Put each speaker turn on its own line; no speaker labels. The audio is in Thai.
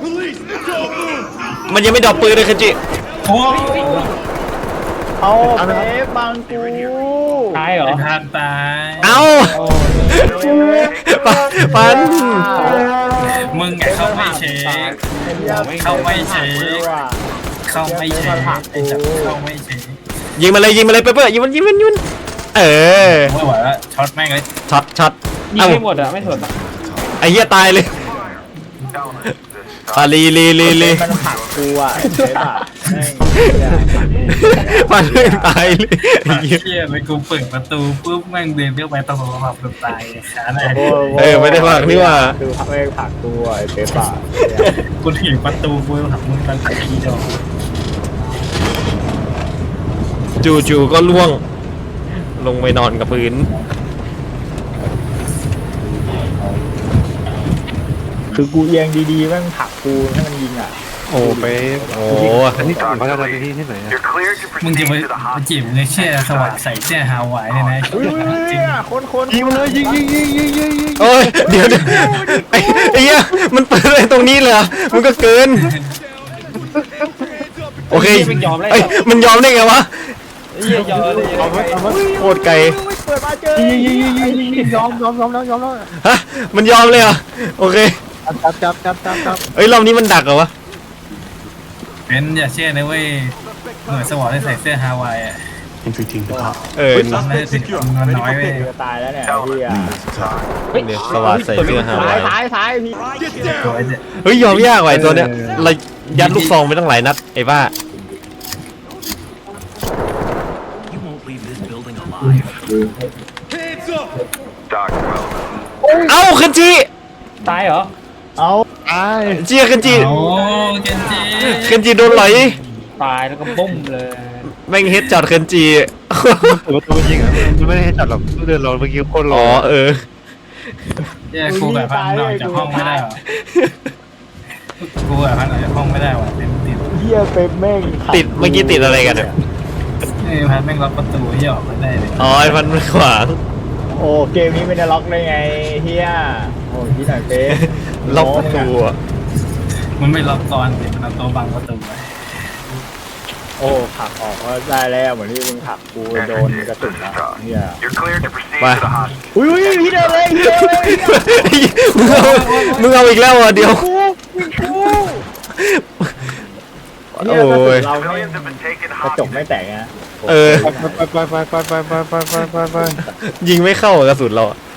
มันยังไม่ดรอปปืนเลยเคนจิ
โอ้ย
เอาเป๊ปบังกู
ตายเหรอ
ไอ้ทานตาย
เอ้าปัน
มึงไงเข้าไม่เช็ค เข้าไม่เช็ค เข้าไม่เช็คไอ้สัตว์เข้าไม่เช็ค
ยิงมาเลยเปเปอร์ยิงมันเออ
ไม่ไหวแล้วช็อตแม่งเลย
ช็อต
ยิง
เอ้า
ไม่หมดอ่ะไม่สนอ่ะ
ไอ้เหี้ยตายเลยลี
มันผลักกูอ่ะเป๊ปอ่ะ
ปันเรื่องตายเลยไอ้
ปาก
เหี้ย
เชี่ยไปกูเปิดประตูปุ๊บแม่งเดินเข้าไปตะโกนขับรถตายขาแน่
ไม่ได้ผลักนี่ว่า
คือไม่ผลักกูอ่ะเป๊ปอ่ะ
กูถีบประตูกูหักมึงตั้งแต่ทีเดียว
จู่ๆก็ล่วง ลงไปนอนกับพื้น
คือกูเอียงดีๆแม่งผลักกูให้มันยิงอ่ะ
โอ้ไป
โอ้
อันนี้เขาจะทำที่ไหน
You're cleared to
มึง
proceed
จะไป
to the
จีบ
hospital.
เงยเชี่ยสว่างใส่เสื้อฮาวายเนี่ยนะ
อุ้ย
จริง
คน
ยิงมาเลยยิง
โอ้ยเดี๋ยวไอ้เหี้ยมันเปิดอะไรตรงนี้เลยเหรอมันก็เกิน โอเคเอ้ยมันยอมได้ไงวะ
เหี้ยยอมเลย
โคตรไกล
เปิดมาเจอ
ยิงยอมแล้ว
ฮะมันยอมเลยเหรอโอเค
จับ
เอ้ยรอบนี้มันดักเหรอวะ
เป็นอย่าเชื่อนะเว้ยหน่วยสวอตที่ใส่เสื้อฮาวายอ่ะ
เออ
ตอนนั้นถึงมันน้อยเว้ย
จะตายแล้วเนี่ยพี่อ่ะ
เดี๋ยวสวัสดใส่เสื้อฮาวาย
ท้ายพี่
ตัวไอ้เนี่ย
เฮ้ยยอมยากว่ะไอ้ตัวเนี้ยเรายัดลูกซองไปตั้งหลายนัดไอ้บ้า
You won't leave this building alive. Dr. Wells.
เอ้าเคนจิ
ตายเหรอ
เอา
เจียเคนจิ
โอ้เกนจิ
เคนจิโดนไหล
ตายแล้วก็บุ้มเลย
แม่งเฮดจอดเคนจิ
เปิดประตูยิงอ่ะมันไม่ได้ให้จัดหรอกเดินรอเมื่อกี้โคตรร
อ๋
อ
อเออ
เนี่ยกูแบบพันออกจากห้องไม่ได้หรอกูแบบพันออกจากห้องไม่ได้ว่ะเป็นติด
เฮียเป๊ปแม่ง
ติดเมื่อกี้ติดอะไรกันเนี่ย
พันแม่งล็อกประตูที่ออกมาได้เลย
อ๋อไอ้พันมันขวาง
โอ้เกมนี้ไม่ได้ล็อกได้ไงเฮียโอ้ที่ไหนเป๊ป
ล็อกประตูอะ
มันไม่ล็อกก่อนสิมันเอาตัวบังประตูไว้
โอ้ผลักออกก็ได้แล้วเหมือนที่มึงผลักกูโดนกระสุนนะเฮีย
You're cleared to proceed to the hospital.
อุ้ยพี่เดินเลยพี่เดินเลย
มึงเอาอีกแล้วอ่ะเดี๋ยว
เฮียกระสุนเราไม่
Civilians have been taken
กระจก
hostage.
ไม่แตกนะ
เออ
ไป
ยิงไม่เข้าอะกระสุนเราอะ